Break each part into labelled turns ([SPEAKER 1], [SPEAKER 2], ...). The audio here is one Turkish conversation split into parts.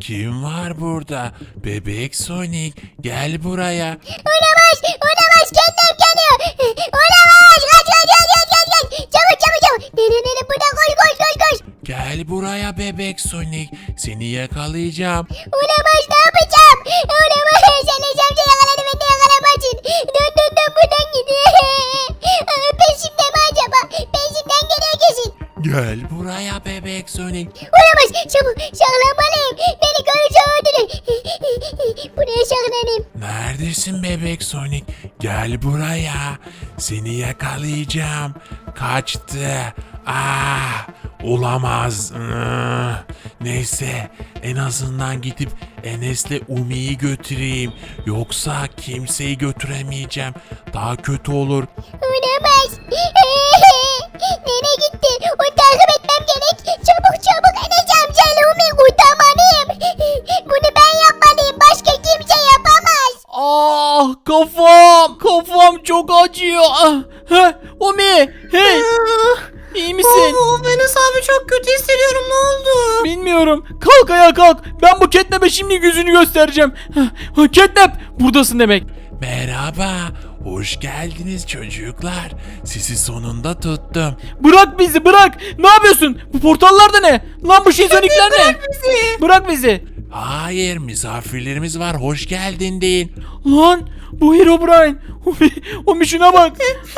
[SPEAKER 1] Kim var burada? Bebek Sonic, gel buraya.
[SPEAKER 2] Olamaz, olamaz, kendim geliyor. Olamaz, kaç. Çabuk. Nene, buradan koş.
[SPEAKER 1] Gel buraya bebek Sonic. Seni yakalayacağım.
[SPEAKER 2] Olamaz, ne yapacağım? Olamaz, Enes amca yakaladı beni de yakalamazsın. Dön, buradan gidiyor. Peşimde mi acaba? Peşimden geliyor kesin.
[SPEAKER 1] Gel buraya bebek Sonic.
[SPEAKER 2] Olamaz, çabuk, saklanmalıyım. Beni görürse öldürür. Buraya saklanayım.
[SPEAKER 1] Neredesin bebek Sonic? Gel buraya. Seni yakalayacağım. Kaçtı. Olamaz. Neyse, en azından gidip Enes'le Umi'yi götüreyim. Yoksa kimseyi götüremeyeceğim. Daha kötü olur.
[SPEAKER 2] Olamaz. Nereye gitti? Onu takip etmem gerek. Çabuk Enes amcayla Umi kurtarmalıyım. Bunu ben yapmalıyım. Başka kimse yapamaz.
[SPEAKER 3] Kafam çok acıyor. Omi, hey. İyi misin?
[SPEAKER 4] Enes abi çok kötü hissediyorum, ne oldu?
[SPEAKER 3] Bilmiyorum. Kalk ayağa kalk. Ben bu Catnap'e şimdi yüzünü göstereceğim. Catnap, buradasın demek.
[SPEAKER 1] Merhaba. Hoş geldiniz çocuklar. Sizi sonunda tuttum.
[SPEAKER 3] Bırak bizi, bırak. Ne yapıyorsun? Bu portallar da ne? Lan bu şizonikler ne? Bırak bizi.
[SPEAKER 1] Hayır, misafirlerimiz var. Hoş geldin deyin.
[SPEAKER 3] Lan bu Herobrine. Omi şuna bak.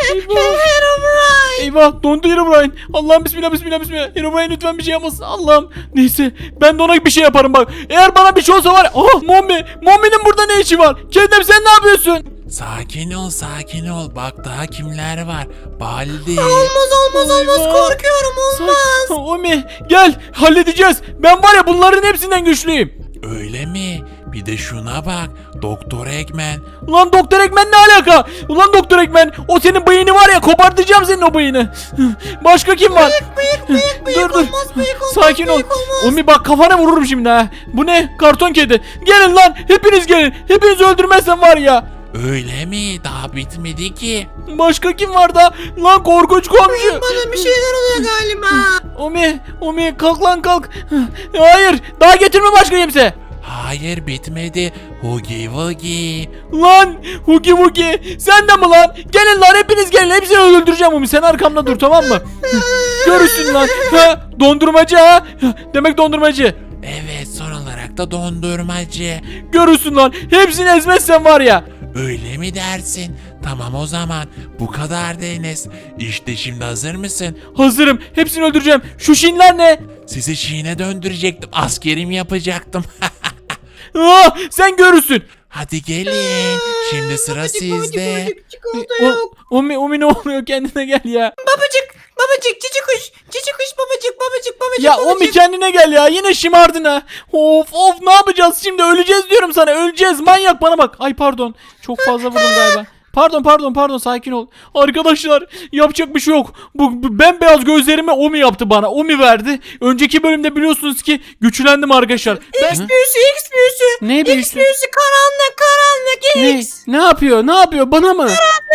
[SPEAKER 3] Eyvah, dondu Herobrine. Allah'ım bismillah. Herobrine lütfen bir şey yapmasın. Allah'ım. Neyse, ben de ona bir şey yaparım bak. Eğer bana bir şey olsa var. Mommy'nin burada ne işi var? Kendem, sen ne yapıyorsun?
[SPEAKER 1] Sakin ol. Bak daha kimler var. Baldi.
[SPEAKER 4] Olmaz, korkuyorum, olmaz.
[SPEAKER 3] Omi gel, halledeceğiz. Ben var ya bunların hepsinden güçlüyüm.
[SPEAKER 1] Öyle mi? Bir de şuna bak. Doktor Eggman.
[SPEAKER 3] Ulan Doktor Eggman ne alaka? Ulan Doktor Eggman, o senin bıyığını var ya, kopartacağım senin o bıyığını. Başka kim var?
[SPEAKER 4] Bıyık
[SPEAKER 3] Dur.
[SPEAKER 4] olmaz,
[SPEAKER 3] Sakin ol.
[SPEAKER 4] bıyık olmaz.
[SPEAKER 3] Omi bak, kafana vururum şimdi ha. Bu ne? Karton kedi. Gelin lan, hepiniz gelin. Hepinizi öldürmezsem var ya.
[SPEAKER 1] Öyle mi? Daha bitmedi ki.
[SPEAKER 3] Başka kim var da? Lan korkunç komşu.
[SPEAKER 4] Bana bir şeyler oluyor galiba.
[SPEAKER 3] Omi kalk lan kalk. Hayır, daha getirme başka kimse.
[SPEAKER 1] Hayır, bitmedi. Hugi Wugi.
[SPEAKER 3] Lan Hugi Wugi, sen de mi lan? Gelin lan, hepiniz gelin, hepsini öldüreceğim Umi, sen arkamda dur, tamam mı? Görürsün lan. Dondurmacı ha. Demek dondurmacı.
[SPEAKER 1] Evet, son olarak da dondurmacı.
[SPEAKER 3] Görürsün lan, hepsini ezmezsen var ya.
[SPEAKER 1] Öyle mi dersin? Tamam o zaman. Bu kadar Enes. İşte şimdi hazır mısın?
[SPEAKER 3] Hazırım, hepsini öldüreceğim. Şu şinler ne?
[SPEAKER 1] Sizi Şiin'e döndürecektim. Askerim yapacaktım.
[SPEAKER 3] Sen görürsün.
[SPEAKER 1] Hadi gelin. Şimdi sıra sizde.
[SPEAKER 4] Çikolata yok.
[SPEAKER 3] Umi ne oluyor, kendine gel ya.
[SPEAKER 4] Babacık, cici kuş, babacık.
[SPEAKER 3] Ya Umi kendine gel ya, yine şımardın ha. Of ne yapacağız şimdi, öleceğiz diyorum sana, öleceğiz manyak, bana bak. Ay pardon, çok fazla vurdum galiba. Pardon, sakin ol. Arkadaşlar, yapacak bir şey yok. Bu bembeyaz gözlerimi Omi yaptı bana. Omi verdi. Önceki bölümde biliyorsunuz ki güçlendim arkadaşlar.
[SPEAKER 4] X büyüsü.
[SPEAKER 3] Ne
[SPEAKER 4] X
[SPEAKER 3] büyüsü?
[SPEAKER 4] büyüsü, karanlık X.
[SPEAKER 3] Ne yapıyor bana mı?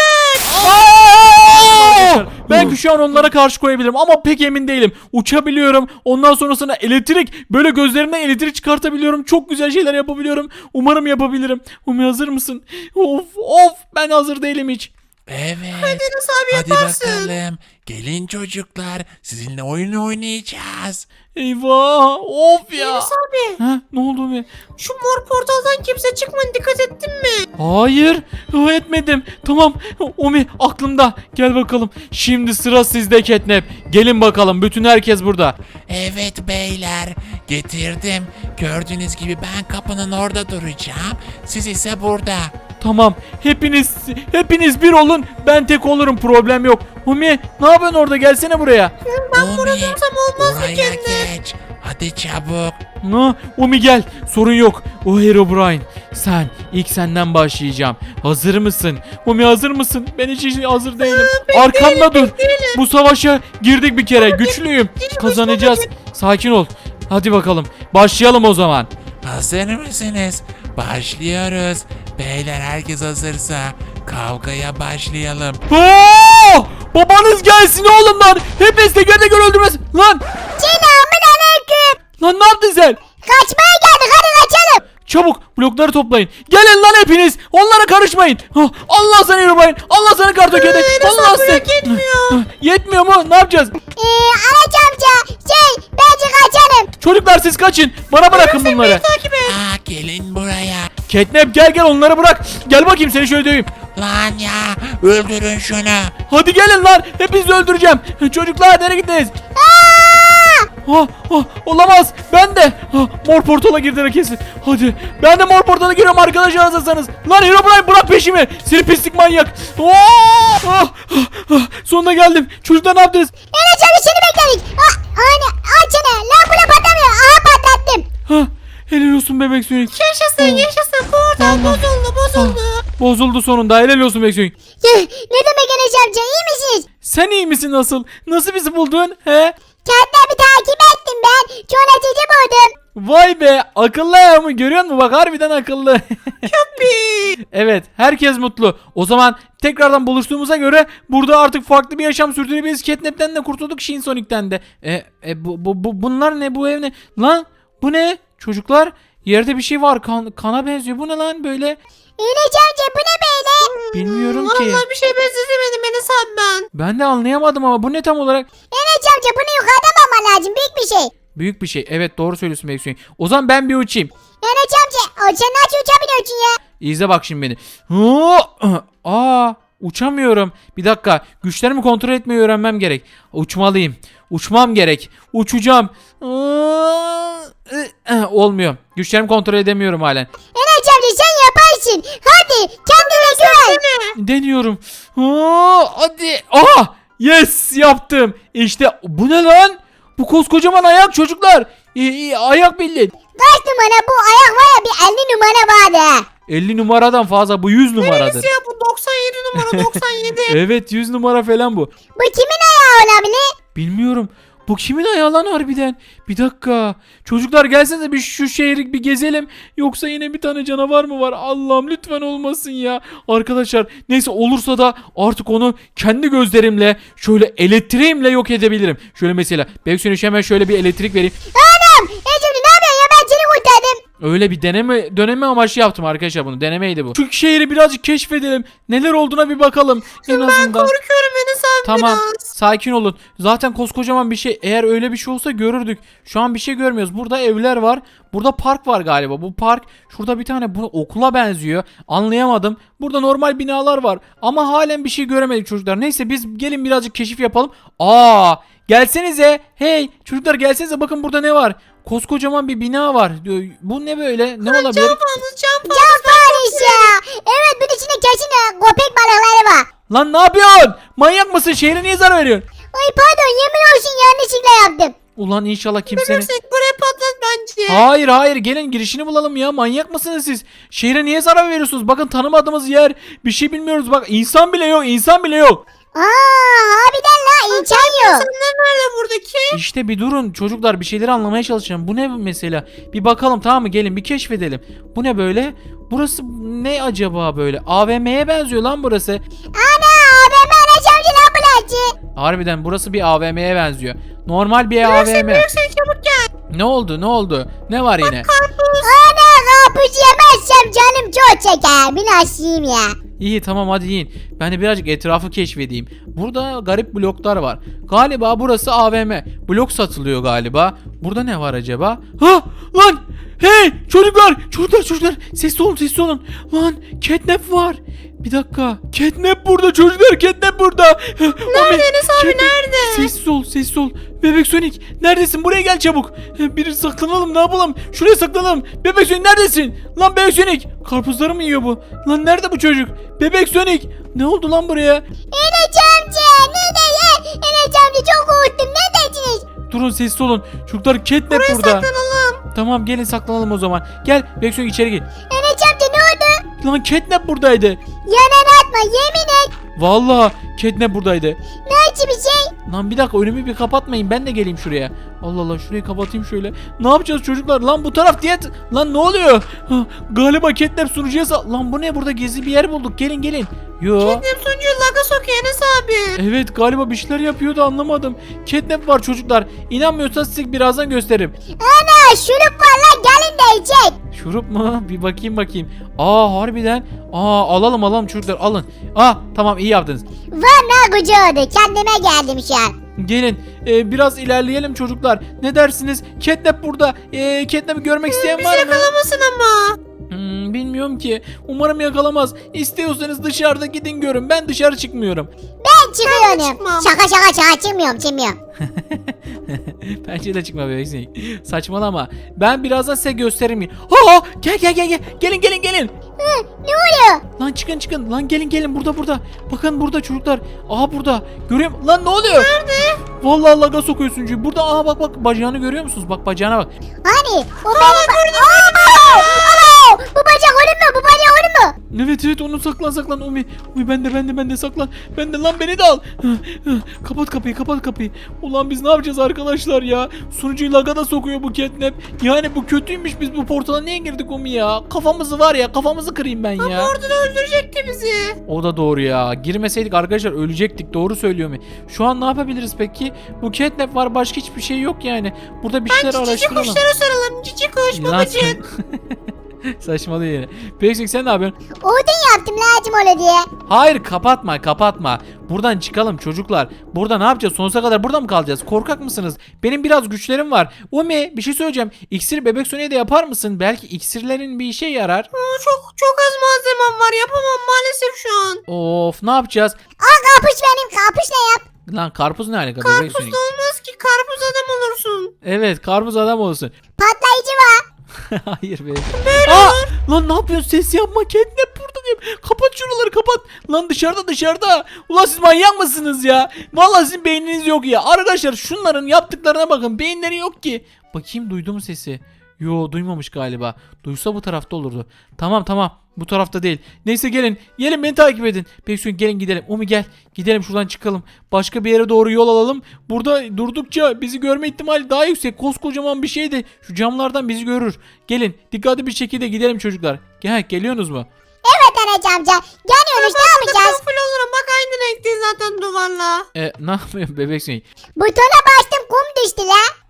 [SPEAKER 3] Belki şu an onlara karşı koyabilirim ama pek emin değilim. Uçabiliyorum. Ondan sonrasında elektrik, böyle gözlerimden elektrik çıkartabiliyorum. Çok güzel şeyler yapabiliyorum. Umarım yapabilirim. Umi hazır mısın? Of ben hazır değilim hiç.
[SPEAKER 1] Evet.
[SPEAKER 4] Enes abi
[SPEAKER 1] Hadi
[SPEAKER 4] yaparsın.
[SPEAKER 1] bakalım. Gelin çocuklar. Sizinle oyun oynayacağız.
[SPEAKER 3] Eyvah, of ya.
[SPEAKER 4] Enes abi,
[SPEAKER 3] Ne oldu Umi?
[SPEAKER 4] şu mor portaldan kimse çıkmadı, dikkat ettin mi?
[SPEAKER 3] Hayır, etmedim. Tamam, Umi aklımda. Gel bakalım. Şimdi sıra sizde Catnap. Gelin bakalım, bütün herkes burada.
[SPEAKER 1] Evet beyler. Getirdim. Gördüğünüz gibi ben kapının orada duracağım. Siz ise burada.
[SPEAKER 3] Tamam, hepiniz bir olun, ben tek olurum, problem yok. Umi ne yapıyorsun orada, gelsene buraya.
[SPEAKER 1] Ben
[SPEAKER 4] burada dursam olmaz mı
[SPEAKER 1] oraya
[SPEAKER 4] kendine?
[SPEAKER 1] geç. Hadi çabuk.
[SPEAKER 3] Umi gel, sorun yok. O Herobrine, ilk senden başlayacağım. Hazır mısın? Umi hazır mısın? Ben hiç hazır değilim. Arkamda dur. Bu savaşa girdik bir kere, güçlüyüm. Kazanacağız. Sakin ol. Hadi bakalım, başlayalım o zaman.
[SPEAKER 1] Hazır mısınız? Başlıyoruz. Beyler, herkes hazırsa kavgaya başlayalım.
[SPEAKER 3] Babanız gelsin oğlum lan. Hepiniz teker teker öldürmez. Lan
[SPEAKER 2] Selamünaleyküm.
[SPEAKER 3] ne yaptın sen?
[SPEAKER 2] Kaçmaya geldik, hadi
[SPEAKER 3] Blokları toplayın. Gelin lan hepiniz. Onlara karışmayın. Allah sana yürümeyin. Allah sana kartokede. Allah sana. Yetmiyor mu? Ne yapacağız?
[SPEAKER 2] Anaç amca bence kaçalım.
[SPEAKER 3] Çocuklar siz kaçın. Bana bırakın bunları.
[SPEAKER 4] Takip et.
[SPEAKER 1] Aa, gelin buraya.
[SPEAKER 3] Catnap gel onları bırak. Gel bakayım seni şöyle döveyim.
[SPEAKER 1] Lan ya, öldürün şunu.
[SPEAKER 3] Hadi gelin lan. Hepinizi öldüreceğim. Çocuklar nereye gittiniz? Olamaz. Ben de. Mor portala girdiler kesin. Hadi. Ben de mor portala giriyorum arkadaşlar hazırsanız. Lan Herobrine bırak peşimi. Seni pislik manyak. Sonuna geldim. Çocuklar ne yaptınız?
[SPEAKER 2] Anaç amca seni bekledik. Anne açana lan buna patlamıyor. Aha patlattım.
[SPEAKER 3] Helal olsun bebek Sonic.
[SPEAKER 4] Yaşasın. Portal
[SPEAKER 3] Allah.
[SPEAKER 4] bozuldu.
[SPEAKER 3] Bozuldu sonunda. Helal olsun bebek Sonic.
[SPEAKER 2] Ne demek Anaç amca iyi misiniz?
[SPEAKER 3] Sen iyi misin nasıl? Nasıl bizi buldun? He?
[SPEAKER 2] Kendimi takip ettim ben. Çok açıcı buldum.
[SPEAKER 3] Vay be, akıllı ayağımı görüyor musun? Bak harbiden akıllı.
[SPEAKER 4] Yuppie.
[SPEAKER 3] Evet, herkes mutlu. O zaman tekrardan buluştuğumuza göre burada artık farklı bir yaşam sürdürebiliriz. Catnap'ten de kurtulduk, Shin Sonic'ten de. Bunlar ne, bu ev ne? Lan bu ne? Çocuklar yerde bir şey var, kana benziyor. Bu ne lan böyle?
[SPEAKER 2] Anaç amca bu ne böyle?
[SPEAKER 3] Bilmiyorum ki.
[SPEAKER 4] Vallahi bir şey benzetemedim Enes abi ben.
[SPEAKER 3] Ben de anlayamadım ama bu ne tam olarak?
[SPEAKER 2] Anaç amca bunu yukarıdan alman lazım. Büyük bir şey.
[SPEAKER 3] Büyük bir şey. Evet doğru söylüyorsun Beksoy. O zaman ben bir uçayım.
[SPEAKER 2] Anaç amca sen nasıl uçabiliyorsun ya?
[SPEAKER 3] İzle bak şimdi beni. Uçamıyorum. Bir dakika. Güçlerimi kontrol etmeyi öğrenmem gerek. Uçmalıyım. Uçmam gerek. Uçacağım. Olmuyor. Güçlerimi kontrol edemiyorum halen.
[SPEAKER 2] Anaç amca sen yaparsın. Hadi kendine güven.
[SPEAKER 3] Deniyorum. Hadi. Yes yaptım. İşte bu ne lan? Bu koskocaman ayak çocuklar. Ayak bilin.
[SPEAKER 2] Kaç numara bu ayak var ya bir 50 numara vardı.
[SPEAKER 3] 50 numaradan fazla bu 100 numaradır.
[SPEAKER 4] Neresi ya bu 97 numara 97.
[SPEAKER 3] Evet 100 numara falan bu.
[SPEAKER 2] Bu kimin ayağı olabilir?
[SPEAKER 3] Bilmiyorum. Bu kimin ayağı lan harbiden? Bir dakika. Çocuklar gelsenize bir şu şehri bir gezelim. Yoksa yine bir tane canavar mı var? Allah'ım lütfen olmasın ya. Arkadaşlar neyse olursa da artık onu kendi gözlerimle şöyle elektriğimle yok edebilirim. Şöyle mesela Beksoy hemen şöyle bir elektrik vereyim.
[SPEAKER 2] Anam! Ecem'de ne yapıyorsun ya ben seni kurtardım.
[SPEAKER 3] Öyle bir döneme amaçlı yaptım arkadaşlar bunu. Denemeydi bu. Şu şehri birazcık keşfedelim. Neler olduğuna bir bakalım. En
[SPEAKER 4] Ben
[SPEAKER 3] azından.
[SPEAKER 4] korkuyorum Enes abi
[SPEAKER 3] Tamam
[SPEAKER 4] biraz.
[SPEAKER 3] sakin olun. Zaten koskocaman bir şey. Eğer öyle bir şey olsa görürdük. Şu an bir şey görmüyoruz. Burada evler var. Burada park var galiba. Bu park şurada bir tane bu okula benziyor. Anlayamadım. Burada normal binalar var. Ama halen bir şey göremedik çocuklar. Neyse biz gelin birazcık keşif yapalım. Gelsenize. Hey çocuklar gelsenize bakın burada ne var. Koskocaman bir bina var. Bu ne böyle? Ne olabilir?
[SPEAKER 4] Cam fazla.
[SPEAKER 2] Can Paris ya. Evet bunun içinde kesin köpek balıkları var.
[SPEAKER 3] Lan ne yapıyorsun? Manyak mısın? Şehre niye zarar veriyorsun?
[SPEAKER 2] Ay pardon yemin olsun yanlışlıkla yaptım.
[SPEAKER 3] Ulan inşallah kimsenin...
[SPEAKER 4] Bebek buraya patlat bence.
[SPEAKER 3] Hayır gelin girişini bulalım ya, manyak mısınız siz? Şehre niye zarar veriyorsunuz? Bakın tanımadığımız yer, bir şey bilmiyoruz, bak insan bile yok.
[SPEAKER 2] Harbiden la insan yok.
[SPEAKER 4] İnsanlar nerede buradaki?
[SPEAKER 3] İşte bir durun çocuklar, bir şeyleri anlamaya çalışacağım. Bu ne mesela? Bir bakalım tamam mı, gelin bir keşfedelim. Bu ne böyle? Burası ne acaba böyle? AVM'ye benziyor lan burası.
[SPEAKER 2] Ana ben anacağım lan bulacı.
[SPEAKER 3] Harbiden burası bir AVM'ye benziyor. Normal bir AVM.
[SPEAKER 4] Sen çabuk gel.
[SPEAKER 3] Ne oldu? Ne var yine?
[SPEAKER 2] Ana karpuz yemezsem canım çok çeker. Bir nasılayım ya.
[SPEAKER 3] İyi tamam hadi yiyin. Ben de birazcık etrafı keşfedeyim. Burada garip bloklar var. Galiba burası AVM. Blok satılıyor galiba. Burada ne var acaba? Lan! Hey! Çocuklar! Sessiz olun. Lan! Catnap var. Bir dakika. Catnap burada çocuklar. Catnap burada.
[SPEAKER 4] Nerede Enes abi, nerede?
[SPEAKER 3] Sessiz ol. Bebek Sonic neredesin? Buraya gel çabuk. Biri saklanalım, ne yapalım? Şuraya saklanalım. Bebek Sonic neredesin? Lan Bebek Sonic. Karpuzları mı yiyor bu? Lan nerede bu çocuk? Bebek Sonic. Ne oldu lan buraya?
[SPEAKER 2] Enes amca ne de ya? Enes amca çok korktum ne dediniz?
[SPEAKER 3] Durun sessiz olun. Çocuklar Catnap
[SPEAKER 4] Buraya
[SPEAKER 3] burada.
[SPEAKER 4] saklanalım.
[SPEAKER 3] Tamam gelin saklanalım o zaman. Gel Bebek Sonic içeri gir.
[SPEAKER 2] Enes amca ne oldu?
[SPEAKER 3] Lan Catnap buradaydı.
[SPEAKER 2] Yanan atma yemin et.
[SPEAKER 3] Vallahi Catnap buradaydı.
[SPEAKER 2] Nasıl bir şey?
[SPEAKER 3] Lan bir dakika önümü bir kapatmayın, ben de geleyim şuraya. Allah şurayı kapatayım şöyle. Ne yapacağız çocuklar? Lan bu taraf diyet. Lan ne oluyor? Galiba Catnap sunucuya lan bu ne, burada gizli bir yer bulduk. Gelin. Yo.
[SPEAKER 4] Catnap sunucuyu laga sokuyor Enes abi.
[SPEAKER 3] Evet galiba bir şeyler yapıyordu, anlamadım. Catnap var çocuklar. İnanmıyorsanız size birazdan gösteririm.
[SPEAKER 2] Ana şurup var lan gelin de içek.
[SPEAKER 3] Şurup mu? Bir bakayım. Harbiden. Alalım çocuklar alın. Tamam iyi yaptınız.
[SPEAKER 2] Var ne gücü oldu kendime geldim şu an.
[SPEAKER 3] Gelin biraz ilerleyelim çocuklar. Ne dersiniz? Catnap burada. Catnap'i görmek isteyen
[SPEAKER 4] Bizi
[SPEAKER 3] var mı?
[SPEAKER 4] yakalamasın ama.
[SPEAKER 3] Bilmiyorum ki. Umarım yakalamaz. İstiyorsanız dışarıda gidin görün. Ben dışarı çıkmıyorum.
[SPEAKER 2] Ben çıkıyorum.
[SPEAKER 4] çıkmam.
[SPEAKER 2] Şaka çıkmıyorum.
[SPEAKER 3] Bence de çıkma bebek sinek. Saçmalama. Ben birazdan size gösteririm. Gel. Gelin.
[SPEAKER 2] Hı, ne oluyor?
[SPEAKER 3] Lan çıkın. Lan gelin burada. Bakın burada çocuklar. Burada. Görüyorum. Lan ne oluyor? Nerede? Vallahi laga sokuyorsun çünkü. Burada bak bacağını görüyor musunuz? Bak bacağına bak.
[SPEAKER 2] Hani o benim... Alo! Bu bacak onun mu? Bu bacak onun mu?
[SPEAKER 3] Evet onu saklan Umi ben de saklan. Ben de lan beni de al. Kapat kapıyı. Ulan biz ne yapacağız arkadaşlar ya? Sunucuyu laga da sokuyor bu Catnap. Yani bu kötüymüş, biz bu portala niye girdik Umi ya? Kafamızı kırayım ben ya.
[SPEAKER 4] Orada da öldürecekti bizi.
[SPEAKER 3] O da doğru ya. Girmeseydik arkadaşlar ölecektik. Doğru söylüyor Umi. Şu an ne yapabiliriz peki? Bu Catnap var, başka hiçbir şey yok yani. Burada bir şeyler
[SPEAKER 4] Cici
[SPEAKER 3] araştıralım.
[SPEAKER 4] kuşlara saralım. Cici kuş
[SPEAKER 3] Lan
[SPEAKER 4] babacık.
[SPEAKER 3] Saçmalıyor yine. Peki sen ne yapıyorsun?
[SPEAKER 2] Odun yaptım lazım öyle diye.
[SPEAKER 3] Hayır kapatma. Buradan çıkalım çocuklar. Burada ne yapacağız? Sonsuza kadar burada mı kalacağız? Korkak mısınız? Benim biraz güçlerim var. Umi bir şey söyleyeceğim. İksir bebek Sony'e de yapar mısın? Belki iksirlerin bir işe yarar.
[SPEAKER 4] Çok az malzemem var. Yapamam maalesef şu an.
[SPEAKER 3] Of ne yapacağız?
[SPEAKER 2] Al karpuz benim karpuzla yap.
[SPEAKER 3] Lan karpuz ne alaka bebek
[SPEAKER 4] Karpuz
[SPEAKER 3] Sonic?
[SPEAKER 4] da olmaz ki. Karpuz adam olursun.
[SPEAKER 3] Evet karpuz adam olsun.
[SPEAKER 2] Patlayıcı var.
[SPEAKER 3] Hayır be. Lan ne yapıyorsun? Ses yapma. Catnap burada diyeyim. Kapat şuraları kapat. Lan dışarıda. Ulan siz manyak mısınız ya? Vallahi sizin beyniniz yok ya. Arkadaşlar şunların yaptıklarına bakın. Beyinleri yok ki. Bakayım duydum sesi. Yo duymamış galiba. Duysa bu tarafta olurdu. Tamam. Bu tarafta değil. Neyse gelin beni takip edin. Bekleyin gelin gidelim. Umi gel. Gidelim şuradan çıkalım. Başka bir yere doğru yol alalım. Burada durdukça bizi görme ihtimali daha yüksek. Koskocaman bir şey de şu camlardan bizi görür. Gelin dikkatli bir şekilde gidelim çocuklar. Geliyorsunuz mu?
[SPEAKER 2] Evet anacığım amca. Geliyoruz ne yapacağız?
[SPEAKER 4] Kamufle olurum. Bak aynı renkte zaten duvarla.
[SPEAKER 3] Ne yapıyorsun bebek Sonic?
[SPEAKER 2] Butona bastım kum düştü la.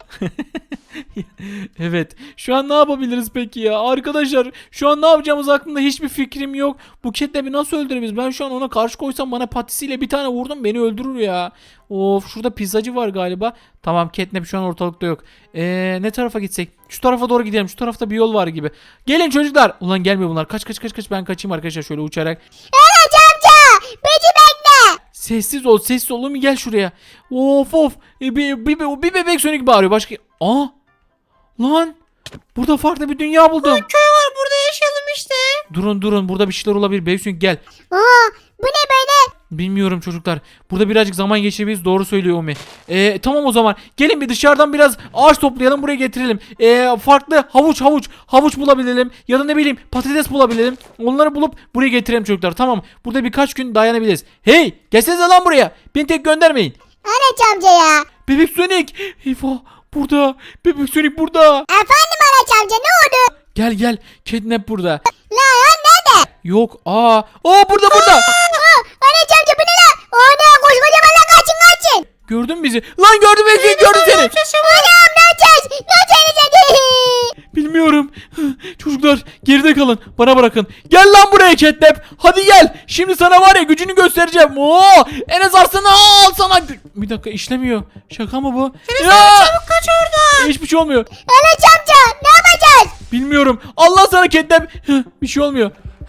[SPEAKER 3] Evet. Şu an ne yapabiliriz peki ya? Arkadaşlar şu an ne yapacağımız hakkında hiçbir fikrim yok. Bu Catnap'i nasıl öldürebiliriz? Ben şu an ona karşı koysam bana patisiyle bir tane vurdum beni öldürür ya. Of şurada pizzacı var galiba. Tamam Catnap şu an ortalıkta yok. Ne tarafa gitsek? Şu tarafa doğru gidelim. Şu tarafta bir yol var gibi. Gelin çocuklar. Ulan gelmiyor bunlar. Kaç. Ben kaçayım arkadaşlar şöyle uçarak.
[SPEAKER 2] Anacığım amca. Bizi bekle.
[SPEAKER 3] Sessiz ol oğlum gel şuraya. Of. Bir bebek Sonic bağırıyor. Başka... Lan. Burada farklı bir dünya buldum.
[SPEAKER 4] Köy var burada yaşayalım işte.
[SPEAKER 3] Durun burada bir şeyler olabilir. Bebek Sonic gel.
[SPEAKER 2] Bu ne böyle?
[SPEAKER 3] Bilmiyorum çocuklar. Burada birazcık zaman geçirebiliriz. Doğru söylüyor Umi. Tamam o zaman. Gelin bir dışarıdan biraz ağaç toplayalım. Buraya getirelim. Farklı havuç bulabilelim. Ya da ne bileyim patates bulabilelim. Onları bulup buraya getirelim çocuklar. Tamam. Burada birkaç gün dayanabiliriz. Hey! Gelsenize lan buraya. Beni tek göndermeyin.
[SPEAKER 2] Anacığım amca ya.
[SPEAKER 3] Bebek Sonic. Eyvah. Burada. Bebek Sonic burada.
[SPEAKER 2] Efendim anacığım amca ne oldu?
[SPEAKER 3] Gel. Catnap burada.
[SPEAKER 2] La ya nerede?
[SPEAKER 3] Yok. Burada.
[SPEAKER 2] Anacığım amca bu ne la? Ana koskocaman la kaçın.
[SPEAKER 3] Gördün bizi. Lan gördüm Bebek Sonic. Gördüm seni.
[SPEAKER 2] Anam ne yapacağız?
[SPEAKER 3] Bilmiyorum. Çocuklar geride kalın. Bana bırakın. Gel lan buraya Catnap. Hadi gel. Şimdi sana var ya gücünü göstereceğim. Enes Arslan'ı al sana. Bir dakika işlemiyor. Şaka mı bu?
[SPEAKER 4] Çabuk kaç oradan.
[SPEAKER 3] Hiçbir şey olmuyor.
[SPEAKER 2] Anacığım amca ne yapacağız?
[SPEAKER 3] Bilmiyorum. Allah sana Catnap. Bir şey olmuyor.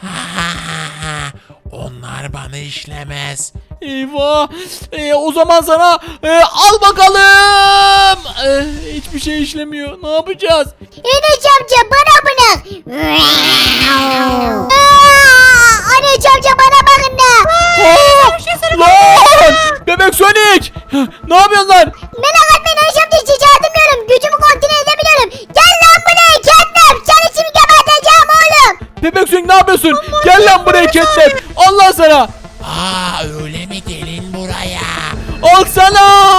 [SPEAKER 1] Onlar bana işlemez.
[SPEAKER 3] Eyvah. O zaman sana al bakalım. Hiçbir şey işlemiyor. Ne yapacağız?
[SPEAKER 2] Anacığım amca bana bırak. Anacığım amca bana bakın da.
[SPEAKER 3] Lan! Bebek Sonic! Ne yapıyorsun lan?
[SPEAKER 2] Merak etmeyin anacığım amca hiç çağırmıyorum. Gücümü kontrol edebiliyorum. Gel lan buraya Catnap. Seni şimdi geberteceğim oğlum.
[SPEAKER 3] Bebek Sonic ne yapıyorsun? Gel lan buraya Catnap. Allah sana.
[SPEAKER 1] Öyle mi, gelin buraya.
[SPEAKER 3] Al sana.